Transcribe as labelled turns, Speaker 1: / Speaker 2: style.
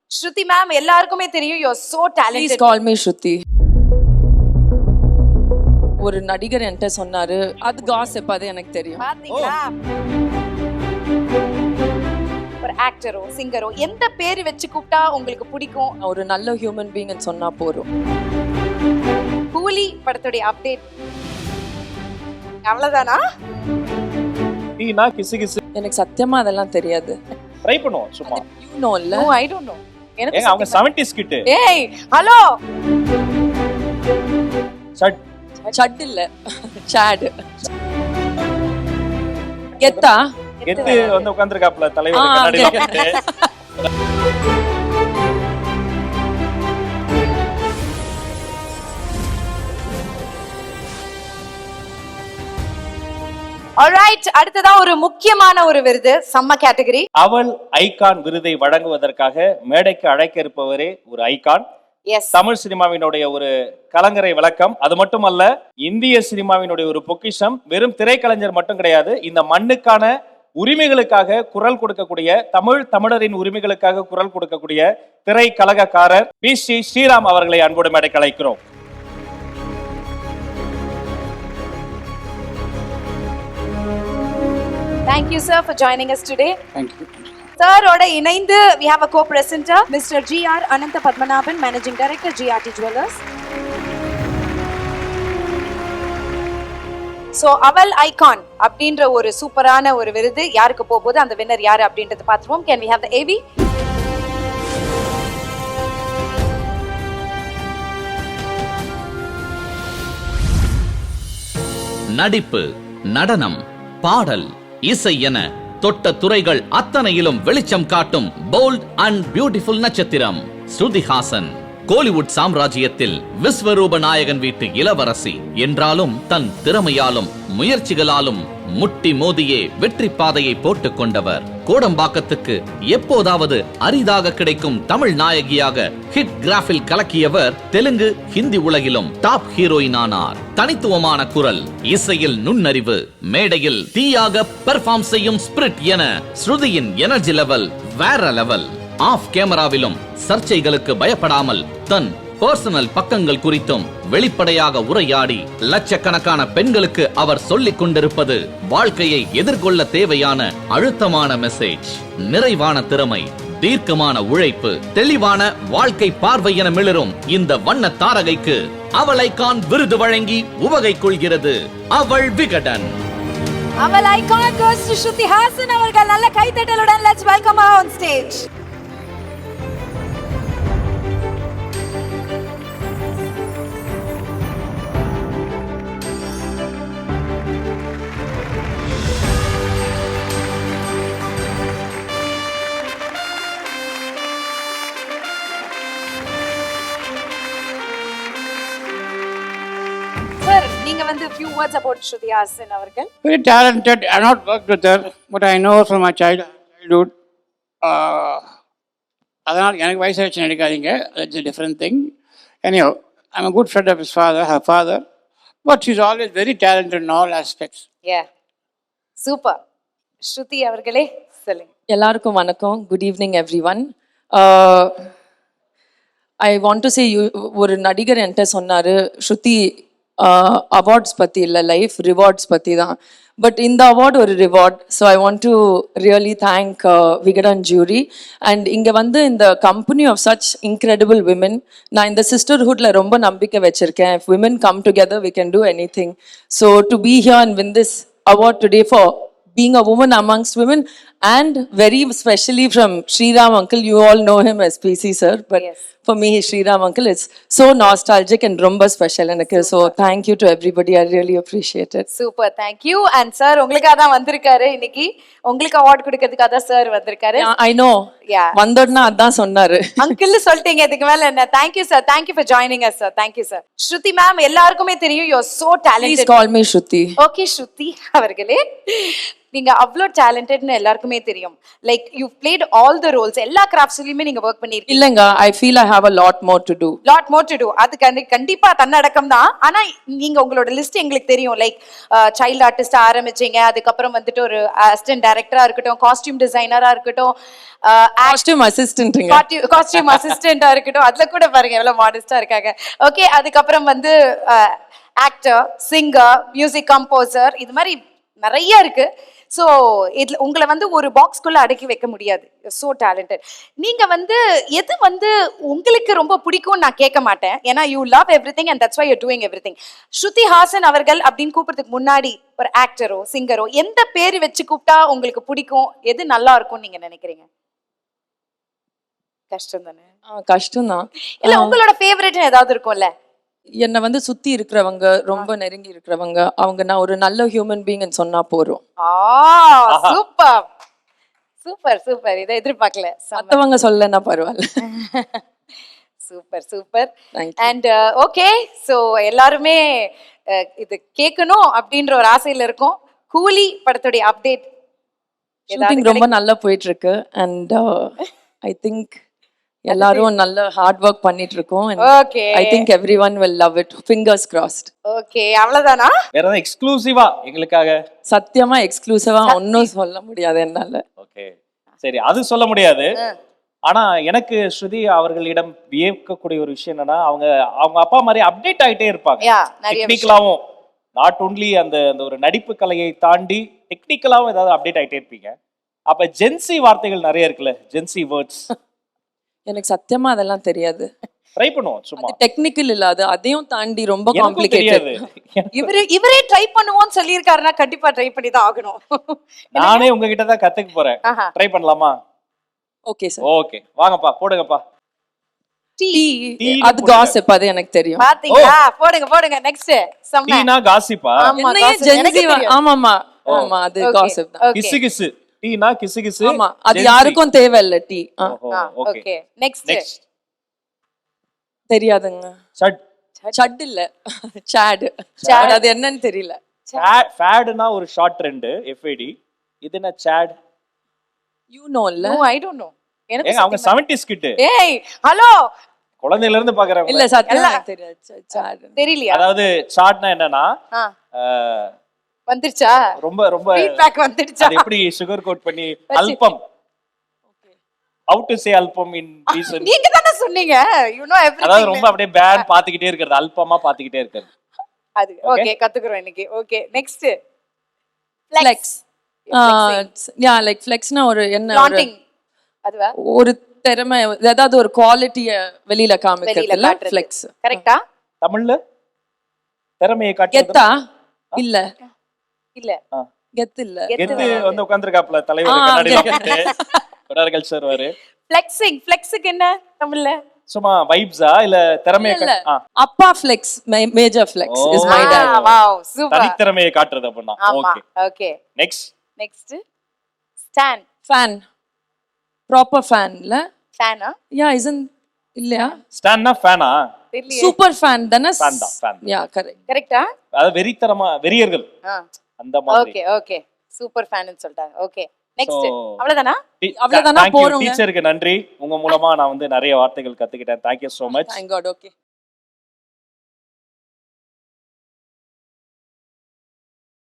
Speaker 1: ஸ்ருதி ma'am எல்லாருக்குமே தெரியும், you are so talented.
Speaker 2: Please call me Shruti. ஒரு நடிகர் என்கிட்ட சொன்னாரு, அது காசிப், அது எனக்கு தெரியும்.
Speaker 1: பாத்தீங்களா? ஒரு ஆக்டரோ சிங்கரோ எந்த பேர் வச்சு கூப்பிட்டா உங்களுக்கு பிடிக்கும்?
Speaker 2: ஒரு நல்ல ஹியூமன் பீயிங் சொன்னா போறோம்.
Speaker 1: கூலி படத்துடைய அப்டேட் அவ்வளவுதானா?
Speaker 3: டீனா கிசு கிசு
Speaker 2: எனக்கு சத்தியமா அதெல்லாம் தெரியாது.
Speaker 3: ட்ரை பண்ணுவோம் சும்மா.
Speaker 2: யூ நோ இல்ல?
Speaker 1: No I don't know.
Speaker 3: ஏங்க அவங்க 70s கிட்.
Speaker 1: ஏய் ஹலோ.
Speaker 3: சட்
Speaker 2: சட் இல்ல, சாட். கெத்தா
Speaker 3: கெத்து வந்து உட்கார்ந்திருக்காப்ல தலைவர் கண்ணாடில கெத்து.
Speaker 1: ஆல்ரைட், அடுத்ததா ஒரு முக்கியமான ஒரு விருது, சம்ம கேட்டகரி.
Speaker 3: அவள் ஐகான் விருதை வழங்குவதற்காக மேடைக்கு அழைக்க இருப்பவரே ஒரு ஐகான்.
Speaker 1: எஸ்,
Speaker 3: தமிழ் சினிமாவினுடைய ஒரு கலங்கரை விளக்கம். அது மட்டுமல்ல, இந்திய சினிமாவினுடைய ஒரு பொக்கிஷம். வெறும் திரைக்கலைஞர் மட்டும் கிடையாது, இந்த மண்ணுக்கான உரிமைகளுக்காக குரல் கொடுக்கக்கூடிய, தமிழரின் உரிமைகளுக்காக குரல் கொடுக்கக்கூடிய திரைக்கழகக்காரர் பி ஸ்ரீராம் அவர்களை அன்போடு மேடைக்கு அழைக்கிறோம்.
Speaker 1: thank you sir for joining us today.
Speaker 4: Thank you.
Speaker 1: Sir oda இணைந்து we have a co-presenter Mr. GR Anantha Padmanabhan, Managing Director GRT Jewellers. So அவள் ஐகான் அப்படின்ற ஒரு சூப்பரான ஒரு விருது யாருக்கு போகுது, அந்த வின்னர் யாரு அப்படின்றத பார்த்துருவோம். Can we have the AV?
Speaker 5: நடிப்பு, நடனம், பாடல், இசை என தொட்ட துறைகள் அத்தனையிலும் வெளிச்சம் காட்டும் போல்ட் அண்ட் பியூட்டிஃபுல் நட்சத்திரம் ஸ்ருதிஹாசன். கோலிவுட் சாம்ராஜ்யத்தில் விஸ்வரூப நாயகன் வீட்டு இளவரசி என்றாலும் தன் திறமையாலும் முயற்சிகளாலும் முட்டி மோதியே வெற்றி பாதையை போட்டுக் கொண்டவர். கோடம்பாக்கத்துக்கு எப்போதாவது அரிதாக கிடைக்கும் தமிழ் நாயகியாக ஹிட் கிராஃபில் கலக்கியவர் தெலுங்கு ஹிந்தி உலகிலும் டாப் ஹீரோயின் ஆனார். தனித்துவமான குரல், இசையில் நுண்ணறிவு, மேடையில் தீயாக பெர்ஃபார்ம் செய்யும் ஸ்பிரிட் என ஸ்ருதியின் எனர்ஜி லெவல் வேற லெவல். ஆஃப் கேமராவிலும் சர்ச்சைகளுக்கு பயப்படாமல் தன் பர்சனல் பக்கங்கள் குறித்தும் வெளிப்படையாக உரையாடி லட்சக்கணக்கான பெண்களுக்கு அவர் சொல்லிக் கொண்டிருப்பது வாழ்க்கையை எதிர்கொள்ள தேவையான அழுத்தமான மெசேஜ். நிறைவான திறமை, தீர்க்கமான உழைப்பு, தெளிவான வாழ்க்கை பார்வை என மிளரும் இந்த வண்ண தாரகைக்கு அவள் ஐகான் விருது வழங்கி உவகை கொள்கிறது அவள் விகடன்.
Speaker 1: அவள் icon goes to Shruti Hassan அவர்கள். நல்ல கைத்தட்டலுடன் let's welcome her on stage. Sir, நீங்க வந்து few words about Shruti Hassan அவர்கள்.
Speaker 4: Very talented. I have not worked with her, but I know from my childhood. அதனால் எனக்கு வயசாச்சு நடிக்காதீங்க, that's a different thing. Anyhow, I'm a good friend of her father, but she's always very talented in all aspects.
Speaker 1: Yeah, super. Shruti அவர்களே சொல்லுங்க.
Speaker 2: எல்லாருக்கும் வணக்கம். Good evening everyone. I want to say, ஒரு நடிகர் என்கிட்ட சொன்னாரு, ஸ்ருதி awards பற்றி இல்லை, லைஃப் ரிவார்ட்ஸ் பற்றி தான். பட் இந்த அவார்ட் ஒரு reward. So I want to really thank Vikatan jury. And இங்கே வந்து இந்த company of such incredible women. நான் இந்த சிஸ்டர்ஹுட்டில் ரொம்ப நம்பிக்கை வச்சுருக்கேன். If women come together we can do anything. So to be here and win this award today for being a woman amongst women, and very especially from Sriram uncle. You all know him as PC sir, but
Speaker 1: Yes.
Speaker 2: for me Sriram uncle, it's so nostalgic and romba special எனக்கு. So thank you to everybody, I really appreciate it.
Speaker 1: Super, thank you. And sir உங்களுக்காக தான் வந்திருக்காரு இன்னைக்கு. உங்களுக்கு award கொடுக்கிறதுக்காக தான் sir வந்திருக்காரு.
Speaker 2: I know.
Speaker 1: Yeah.
Speaker 2: வந்தோடனா அதான் சொன்னாரு.
Speaker 1: அங்கிள் சொல்லிட்டீங்க, இதுக்கு மேல என்ன? Thank you sir, thank you for joining us sir, thank you sir. Shruti ma'am எல்லாருக்குமே தெரியும், you are so
Speaker 2: Please
Speaker 1: talented.
Speaker 2: call me Shruti.
Speaker 1: Okay Shruti அவர்களே, நீங்க அவ்வளோ டேலண்டட்னு எல்லாருக்குமே தெரியும். Like you played all the roles, எல்லா கிராஃப்ட்ஸ்லயுமே நீங்க ஒர்க் பண்ணிருக்கீங்க.
Speaker 2: இல்லைங்க, I feel I have a lot more to do.
Speaker 1: Lot more to do. அது கண்டிப்பா தன்னடக்கம் தான். ஆனா நீங்க உங்களோட லிஸ்ட் எங்களுக்கு தெரியும். லைக் சைல்ட் ஆர்டிஸ்ட் ஆரம்பிச்சீங்க, அதுக்கப்புறம் வந்துட்டு ஒரு அசிஸ்டன்ட் டைரக்டரா இருக்கட்டும், காஸ்டியூம் டிசைனரா இருக்கட்டும்,
Speaker 2: காஸ்டியூம் அசிஸ்டன்ட்ங்க.
Speaker 1: காஸ்டியூம் அசிஸ்டண்டா இருக்கட்டும், அதுல கூட பாருங்க எவ்வளவு மாடஸ்டா இருக்காங்க. ஓகே, அதுக்கப்புறம் வந்து ஆக்டர், சிங்கர், மியூசிக் கம்போசர், இது மாதிரி நிறைய இருக்கு. ஸோ இதுல உங்களை வந்து ஒரு பாக்ஸ்குள்ள அடக்கி வைக்க முடியாது. So talented. நீங்க வந்து எது வந்து உங்களுக்கு ரொம்ப பிடிக்கும்னு நான் கேட்க மாட்டேன், ஏன்னா you love everything and that's why you doing everything. Shruti Haasan அவர்கள் அப்படின்னு கூப்பிடுறதுக்கு முன்னாடி ஒரு ஆக்டரோ சிங்கரோ எந்த பேர் வச்சு கூப்பிட்டா உங்களுக்கு பிடிக்கும், எது நல்லா இருக்கும்னு நீங்க நினைக்கிறீங்க? கஷ்டம் தானே?
Speaker 2: கஷ்டம்தான்.
Speaker 1: இல்ல உங்களோட ஃபேவரட் ஏதாவது இருக்கும்ல?
Speaker 2: என்னை வந்து சுத்தி இருக்கிறவங்க, ரொம்ப நெருங்கி இருக்கிறவங்க, அவங்க நான் ஒரு நல்ல ஹியூமன் பீயிங்னு சொன்னா போறோம்.
Speaker 1: Super super super. இதை எதிர்பார்க்கல.
Speaker 2: மத்தவங்க சொல்லனா பரவாயில்ல.
Speaker 1: Super super.
Speaker 2: Thank
Speaker 1: and okay, so எல்லாருமே இது கேட்கணும் அப்படின்ற ஒரு ஆசையில இருக்கும். கூலி படத்துடைய அப்டேட்
Speaker 2: ஷூட்டிங் ரொம்ப நல்லா போயிட்டு இருக்கு அண்ட் ஐ திங்க் எல்லாரும் நல்ல ஹார்ட் ஒர்க் பண்ணிட்டு இருக்கோம்.
Speaker 1: Okay
Speaker 2: I think everyone will love it. Fingers crossed.
Speaker 1: Okay, அவ்வளவுதானா?
Speaker 3: வேற ஏதாவது எக்ஸ்க்ளூசிவா எங்களுக்காக?
Speaker 2: சத்தியமா எக்ஸ்க்ளூசிவா ஒன்னும் சொல்ல முடியாது என்னால.
Speaker 3: ஓகே, சரி, அது சொல்ல முடியாது. ஆனா எனக்கு ஸ்ருதி அவர்களிடம் வியக்கக்கூடிய ஒரு விஷயம் என்னன்னா, அவங்க அப்பா மாதிரி அப்டேட் ஆயிட்டே இருப்பாங்க.
Speaker 1: யா, நிறைய
Speaker 3: டெக்னிக்கலாவும், நாட் ஒன்லி அந்த அந்த ஒரு நடிப்பு கலையை தாண்டி டெக்னிக்கலாவும் ஏதாவது அப்டேட் ஆயிட்டே இருப்பீங்க. அப்ப ஜென்சி வார்த்தைகள் நிறைய இருக்குல்ல, ஜென்சி வேர்ட்ஸ்.
Speaker 2: எனக்கு சத்தியமா அதெல்லாம் தெரியாது.
Speaker 3: ட்ரை பண்ணுவோம் சும்மா.
Speaker 2: அது டெக்னிக்கல் இல்ல, அது அதையும் தாண்டி ரொம்ப
Speaker 3: எனக்கும் தெரியாது.
Speaker 2: காம்ப்ளிகேட்டட்.
Speaker 1: இவரே ட்ரை பண்ணுவோம்னு சொல்லியிருக்காருன்னா கண்டிப்பா ட்ரை பண்ணி தான் ஆகணும்.
Speaker 3: நானே உங்ககிட்ட தான் கத்துக்க போறேன்.
Speaker 1: ஆஹா.
Speaker 3: ட்ரை பண்ணலாமா?
Speaker 2: Okay sir.
Speaker 3: ஓகே, வாங்கப்பா, போடுங்கப்பா.
Speaker 2: டீ
Speaker 3: டீ
Speaker 2: அது காசிப், அது எனக்கு தெரியும்.
Speaker 1: பாத்தீங்களா? போடுங்க போடுங்க. நெக்ஸ்ட் செம்ம.
Speaker 3: டீனா காசிப்பா?
Speaker 1: ஆமா,
Speaker 2: என்னையே
Speaker 1: gossip.
Speaker 2: Gen
Speaker 1: எனக்கு
Speaker 2: Z
Speaker 1: தெரியும்.
Speaker 2: ஆமாமா ஆமா, அது
Speaker 1: Okay,
Speaker 2: காசிப் தான்.
Speaker 1: okay.
Speaker 3: கிசு கிசு. டீனா கிசு கிசு.
Speaker 2: ஆமா, அது
Speaker 3: Gen Z.
Speaker 2: யாருக்கும் தேவையில்ல டீ.
Speaker 3: ஓஹோ, ஓகே.
Speaker 1: Okay, next.
Speaker 3: நெக்ஸ்ட்.
Speaker 2: தெரியாதுங்க.
Speaker 3: சட்.
Speaker 2: சட் இல்ல, சாட். அது என்னன்னு தெரியல.
Speaker 3: ஃபேட்னா ஒரு ஷார்ட் ட்ரெண்ட், FAD. இது என்ன சாட்?
Speaker 2: யூ நோ இல்ல?
Speaker 1: No, I don't know. எனக்கு
Speaker 3: ஏங்க அவங்க 70s கிட்.
Speaker 1: ஏய் ஹலோ,
Speaker 3: குழந்தையில இருந்து பாக்குறாங்க.
Speaker 2: இல்ல சத்தியமா எனக்கு தெரியாது. சாட்
Speaker 1: தெரியலையா?
Speaker 3: அதாவது சாட்னா என்னன்னா,
Speaker 1: ஆ,
Speaker 3: அஹ்,
Speaker 1: வந்துருச்சா?
Speaker 3: ரொம்ப ரொம்ப
Speaker 1: ஃபீட்பேக் வந்துருச்சா?
Speaker 3: அது எப்படி சுகர் கோட் பண்ணி அல்பம். ஹவ் டு சே அல்பம் இன் ரீசன்.
Speaker 1: நீங்க தானே சொன்னீங்க. யூ நோ
Speaker 3: அதாவது
Speaker 1: எவ்ரிதிங்.
Speaker 3: ரொம்ப அப்படியே பேன் பாத்துக்கிட்டே இருக்கிறது, அல்பமா பாத்துக்கிட்டே இருக்கிறது.
Speaker 1: அது ஓகே, கத்துக்குறோம் இன்னைக்கு. Okay, next.
Speaker 2: Flex. Yeah, like ஃப்ளெக்ஸ்னா ஒரு என்ன,
Speaker 1: பிளாண்டிங் அதுவா?
Speaker 2: ஒரு திறமை, ஏதாவது ஒரு குவாலிட்டிய வெளியில
Speaker 1: வெளியில
Speaker 2: காமிக்கிறதுல
Speaker 1: காட்டுறது.
Speaker 2: ஃப்ளெக்ஸ்.
Speaker 1: கரெக்ட்டா?
Speaker 3: தமிழ்ல திறமையை காட்டுறது.
Speaker 2: கெத்தா இல்ல,
Speaker 1: இல்ல,
Speaker 2: கெத்து இல்ல.
Speaker 3: கெத்து வந்து உட்கார்ந்திருக்காப்ல தலைவர் கண்ணாடில போட்டு. கொடார்கள் சார் வாரு.
Speaker 1: ஃப்ளெக்சிங். ஃப்ளெக்ஸுக்கு என்ன தமிழ்ல?
Speaker 3: சும்மா வைப்ஸா இல்ல திறமையை
Speaker 2: இல்ல,
Speaker 3: ஆ,
Speaker 2: அப்பா flex, major flex is my
Speaker 3: Oh.
Speaker 2: Dad.
Speaker 1: Wow, super.
Speaker 3: தனித்திறமையை காட்டுறது அப்படின்னா.
Speaker 1: ஆமா,
Speaker 3: okay,
Speaker 1: okay.
Speaker 3: Next.
Speaker 1: Next. Stand.
Speaker 2: Fan, proper fan இல்ல?
Speaker 1: ஃபேனா?
Speaker 2: யா, இஸ்ன்ட் இல்லையா?
Speaker 3: ஸ்டாண்ட்னா ஃபேனா?
Speaker 1: தெரியலையே.
Speaker 2: சூப்பர் ஃபேன் தானே?
Speaker 3: Fan தான், fan தான்.
Speaker 2: Yeah, correct.
Speaker 1: கரெக்ட்டா?
Speaker 3: அதாவது வெறியர்கள் அந்த மாதிரி.
Speaker 1: Okay, okay. சூப்பர் ஃபேன்னு சொல்லிட்டாங்க. Okay, next.
Speaker 3: So,
Speaker 1: அவ்வளவுதானா?
Speaker 2: அவ்வளவுதானா? போறோங்க.
Speaker 3: டீச்சருக்கு நன்றி. உங்க மூலமா நான் வந்து நிறைய வார்த்தைகள் கத்துக்கிட்டேன். Thank you so much.
Speaker 2: Thank God. Okay.